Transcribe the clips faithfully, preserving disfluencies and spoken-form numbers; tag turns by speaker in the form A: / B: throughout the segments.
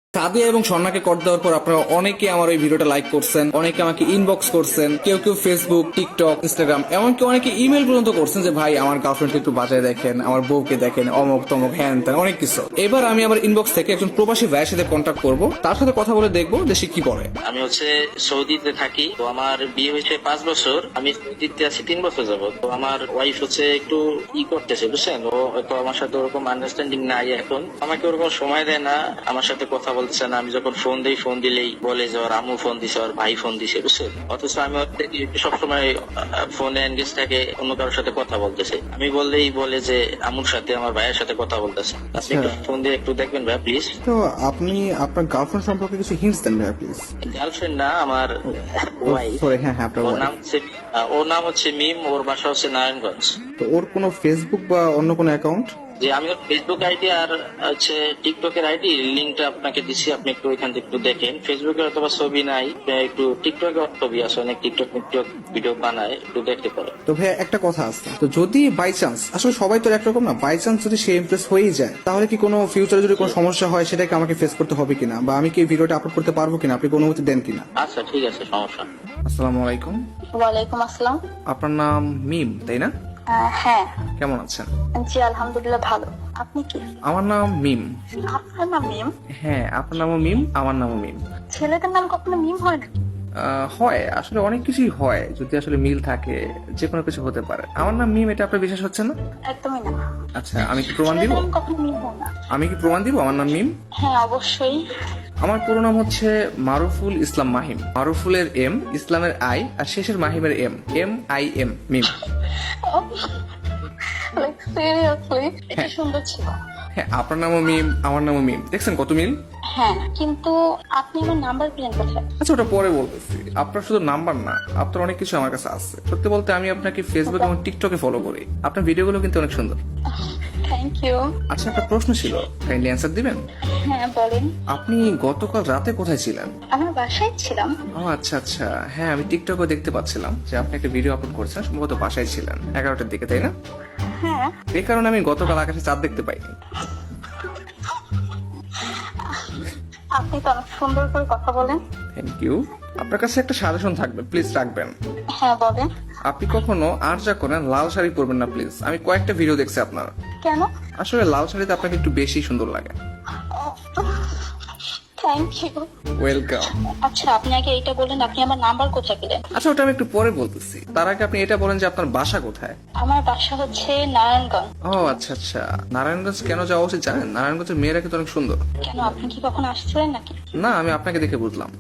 A: সাদিয়া এবং স্বর্ণাকে কর দেওয়ার পর আপনারা অনেকে আমার এই ভিডিওটা লাইক করছেন, অনেকে আমাকে ইনবক্স করছেন, কেউ কেউ ফেসবুক, টিকটক, ইনস্টাগ্রাম, এমনকি অনেকে ইমেল পর্যন্ত করছেন যে ভাই আমার গার্লফ্রেন্ডকে একটু বাজায় দেখেন, আমার বউকে দেখেন, অমক তমক হ্যান ত্যান অনেক কিছু। এবার আমি আমার ইনবক্স থেকে একজন প্রবাসী ভাইয়ের সাথে কন্ট্যাক্ট করবো, তার সাথে কথা বলে দেখবো যে সে কি বলে।
B: আমি হচ্ছে সৌদিতে থাকি, তো আমার বিয়ে হয়েছে পাঁচ বছর, আমি সৌদিতে আছি তিন বছর যাবো। তো আমার ওয়াইফ হচ্ছে একটু ই করতেছে বুঝছেন, ও হয়তো আমার সাথে ওরকম আন্ডারস্ট্যান্ডিং নাই এখন, আমাকে ওরকম সময় দেয় না, আমার সাথে কথা বলতেছে না। আমি যখন ফোন দিই, ফোন দিলেই বলে যে ওর আম্মু ফোন দিছে, ওর ভাই ফোন দিছে বুঝছেন, অথচ আমি সবসময় ফোনে এনগেজ থাকে অন্য কারোর সাথে কথা বলতেছে। আমি বললেই বলে যে আম্মুর সাথে আমার ভাইয়ের সাথে কথা বলতেছে। আপনি একটু ফোন দিয়ে একটু দেখবেন ভাই প্লিজ।
A: তো আপনি আপনার গার্লফ্রেন্ড সম্পর্কে কিছু হিন্টস দেন ভাই প্লিজ।
B: গার্লফ্রেন্ড না, আমার ওয়াইফ।
A: সরি, হ্যাঁ হ্যাঁ আপনার
B: ওর
A: wife।
B: নাম হচ্ছে ওর নাম হচ্ছে মিম, ওর বাসা হচ্ছে নারায়ণগঞ্জ।
A: তো ওর কোনো ফেসবুক বা অন্য কোনো অ্যাকাউন্ট?
B: যে আমি ওর ফেসবুক আইডি আর হচ্ছে টিকটকের আইডি লিঙ্কটা আপনাকে দিচ্ছি, আপনি একটু ওইখান থেকে একটু দেখেন। ফেসবুকে অথবা ছবি নাই, একটু টিকটকে ছবি আছে, অনেক টিকটক টিকটক ভিডিও বানায়, একটু দেখতে পারেন।
A: তো ভাই একটা কথা আছে, তো যদি বাই চান্স, আসলে সবাই তো একরকম না, বাই চান্স যদি সে ইমপ্রেস হয়েই যায়, তাহলে কি কোনো ফিউচারে যদি কোনো সমস্যা হয় সেটাকে আমাকে ফেস করতে হবে কিনা, বা আমি কি ভিডিওটা আপলোড করতে পারবো কিনা, আপনি কোনো অনুমতি দেন কিনা?
B: আচ্ছা ঠিক আছে, সমস্যা না।
A: আসসালামু আলাইকুম।
C: ওয়ালাইকুম আসসালাম।
A: আপনার নাম মিম তাই না?
C: আহ, হ্যাঁ।
A: কেমন আছেন?
C: জি আলহামদুলিল্লাহ ভালো। আপনি কি?
A: আমার নাম মিম।
C: আপনার নাম মিম?
A: হ্যাঁ, আপনার নামও মিম, আমার নামও মিম।
C: ছেলেদের নাম কখনো মিম হয় না?
A: আহ, হয়, আসলে অনেক কিছুই হয়, যদি আসলে মিল থাকে যে কোনো কিছু হতে পারে। আমার নাম মিম, এটা আপনার বিশ্বাস হচ্ছে না?
C: একদমই না।
A: আচ্ছা, আমি কি প্রমাণ দিব?
C: ছেলেদের নাম কখনো মিম হয় না।
A: আমি কি প্রমাণ দিব আমার নাম মিম?
C: হ্যাঁ অবশ্যই।
A: আমার পুরো নাম হচ্ছে মারুফুল ইসলাম মাহিম। মারুফুলের এম, ইসলামের আই, আর শেষের মাহিমের M, M I M, Mim.
C: Like seriously এটা সুন্দর ছিল।
A: হ্যাঁ, আপনার নামও মিম, আমার নামও মিম, দেখছেন কত মিল।
C: হ্যাঁ কিন্তু আপনি আমার নাম্বার পেলেন কোথায়?
A: আচ্ছা, ওটা পরে বলতেছি। আপনার শুধু নাম্বার না, আপনার অনেক কিছু আমার কাছে আছে। সত্যি বলতে আমি আপনাকে ফেসবুক এবং টিকটকে ফলো করি, আপনার ভিডিওগুলো কিন্তু অনেক সুন্দর।
C: Thank you.
A: আচ্ছা, একটা প্রশ্ন ছিল, কাইন্ডলি অ্যান্সার দিবেন?
C: হ্যাঁ বলেন।
A: আপনি গতকাল রাতে কোথায় ছিলেন?
C: আমার বাসায় ছিলাম।
A: ও আচ্ছা আচ্ছা, হ্যাঁ আমি টিকটকে দেখতে পাচ্ছিলাম যে আপনি একটা ভিডিও আপলোড করেছেন, সম্ভবত বাসায় ছিলেন এগারোটার দিকে, তাই না?
C: হ্যাঁ।
A: এই কারণে আমি গতকাল আকাশে চাঁদ দেখতে পাইনি।
C: আপনি তো অনেক সুন্দর করে কথা বলেন।
A: Thank you. আপনার কাছে একটা সাজেশন থাকবে, প্লিজ রাখবেন।
C: হ্যাঁ বলেন।
A: আপনি কখনো আর যা করেন লাল শাড়ি পরবেন না প্লিজ। আমি কয়েকটা ভিডিও দেখছি আপনার,
C: কেন?
A: আসলে লাল শাড়িতে আপনাকে একটু বেশি সুন্দর লাগে।
C: Thank you.
A: ওয়েলকাম।
C: আচ্ছা আপনি আগে এইটা বলেন, আপনি আমার নাম্বার কোথায় পেলেন?
A: আচ্ছা, ওটা আমি একটু পরে বলতেছি, তার আগে আপনি এটা বলেন যে আপনার বাসা কোথায়?
C: আমার বাসা হচ্ছে নারায়ণগঞ্জ।
A: ও আচ্ছা আচ্ছা, নারায়ণগঞ্জ কেন যাওয়া উচিত জানেন? নারায়ণগঞ্জের মেয়েরা কিন্তু অনেক সুন্দর।
C: কেন, আপনি কি কখনো আসছিলেন নাকি?
A: না, আমি আপনাকে দেখে বুঝলাম।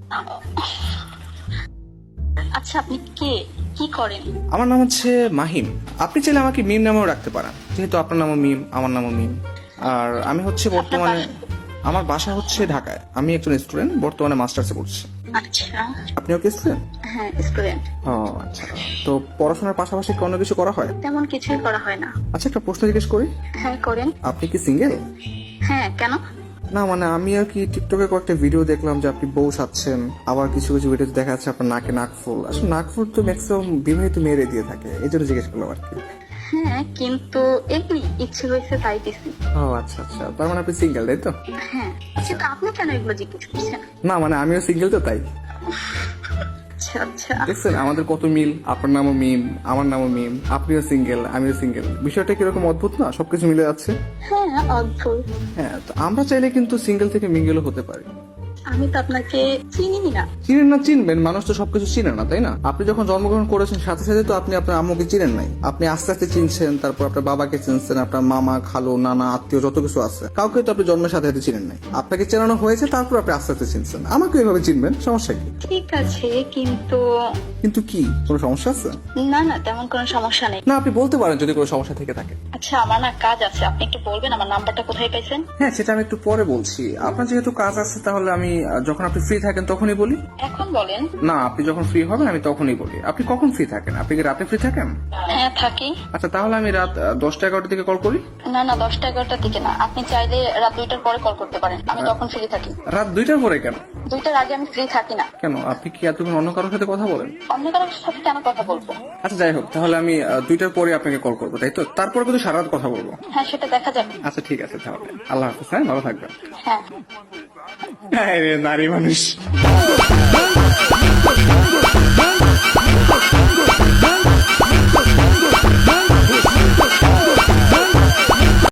C: আচ্ছা আপনি কে, কি করেন?
A: আমার নাম হচ্ছে মাহিম। আপনি চাইলে আমাকে মিম নামেও রাখতে পারেন, যেহেতু আপনার নামও মিম, আমার নামও মিম। আর আমি হচ্ছে বর্তমানে, আমার বাসা হচ্ছে ঢাকায়। আমি একজন স্টুডেন্ট, বর্তমানে মাস্টার্সে পড়ছি।
C: আচ্ছা।
A: আপনিও কি স্টুডেন্ট?
C: হ্যাঁ স্টুডেন্ট।
A: ও আচ্ছা, তো পড়াশোনার পাশাপাশি কি অন্য কিছু করা হয়?
C: তেমন কিছুই করা হয় না।
A: আচ্ছা, একটা প্রশ্ন জিজ্ঞেস করি,
C: হ্যাঁ করেন।
A: আপনি কি সিঙ্গেল?
C: হ্যাঁ কেন?
A: না মানে আমি আর কি টিকটকে কয়েকটা ভিডিও দেখলাম যে আপনি বউ সাচ্ছেন, আবার কিছু কিছু ভিডিওতে দেখা যাচ্ছে আপনার নাকে নাকফুল। আসলে নাকফুল তো ম্যাক্সিমাম বিবাহিত মেয়েরে দিয়ে থাকে, এই জন্য জিজ্ঞেস করলাম আর কি।
C: হ্যাঁ কিন্তু এমনি ইচ্ছে হয়েছে তাই দিছি।
A: ও আচ্ছা আচ্ছা, তার মানে আপনি সিঙ্গেল তাই তো?
C: হ্যাঁ কিন্তু আপনি কেন এগুলো জিজ্ঞেস করছেন?
A: না মানে আমিও সিঙ্গেল তো তাই।
C: আচ্ছা আচ্ছা।
A: দেখছেন আমাদের কত মিল, আপনার নামও মিম, আমার নামও মিম, আপনিও সিঙ্গেল, আমিও সিঙ্গেল। বিষয়টা কিরকম অদ্ভুত না, সবকিছু মিলে যাচ্ছে।
C: হ্যাঁ অদ্ভুত।
A: হ্যাঁ, তো আমরা চাইলে কিন্তু সিঙ্গেল থেকে মিঙ্গেলও হতে পারি।
C: আমি তো আপনাকে চিনি না।
A: চিনেন না চিনবেন, মানুষ তো সবকিছু চিনে না তাই না? আপনি যখন জন্মগ্রহণ করেছেন সাথে সাথে তো আপনি আপনার আম্মুকে চিনেন নাই, আপনি আস্তে আস্তে চিনছেন, তারপর আপনার বাবাকে চিনছেন, আপনার মামা খালু নানা আত্মীয় যত কিছু আছে, কাউকে তো আপনি জন্মের সাথে সাথে চিনেন নাই। আপনাকে চেনানো হয়েছে, তারপর আপনি আস্তে আস্তে চিনছেন। আমাকে এইভাবে চিনবেন, সমস্যা কি?
C: ঠিক আছে কিন্তু।
A: কিন্তু কি, কোনো সমস্যা আছে?
C: না না তেমন কোনো সমস্যা নেই।
A: না, আপনি বলতে পারেন যদি কোনো সমস্যা থেকে থাকে।
C: আচ্ছা আমার না কাজ আছে, আপনি একটু বলবেন আমার নাম্বারটা কোথায় পাইছেন?
A: হ্যাঁ, সেটা আমি একটু পরে বলছি। আপনার যেহেতু কাজ আছে, তাহলে আমি আহ, যখন আপনি ফ্রি থাকেন তখনই বলি।
C: এখন বলেন।
A: না, আপনি যখন ফ্রি হবেন আমি তখনই বলি। আপনি কখন ফ্রি থাকেন? আপনি কি রাতে ফ্রি থাকেন?
C: হ্যাঁ থাকি।
A: আচ্ছা, তাহলে আমি রাত আহ, দশটা এগারোটার দিকে কল করি।
C: না না দশটা এগারোটার দিকে না, আপনি চাইলে রাত দুইটার পরে কল করতে পারেন, আমি তখন ফ্রি থাকি।
A: রাত দুইটার পরে কেন?
C: দুইটার আগে আমি ফ্রি থাকি না।
A: কেন, আপনি কি এতক্ষণ অন্য কারোর সাথে কথা বলেন?
C: অন্য কারোর সাথে কেন কথা বলবো?
A: আচ্ছা যাই হোক, তাহলে আমি আহ, দুইটার পরে আপনাকে কল করবো, তাই তো? তারপরে কিন্তু সারা রাত কথা বলবো।
C: হ্যাঁ সেটা দেখা যাবে।
A: আচ্ছা ঠিক আছে, তাহলে আল্লাহ হাফিজ। হ্যাঁ, ভালো থাকবেন।
C: হ্যাঁ।
A: নারী মানুষ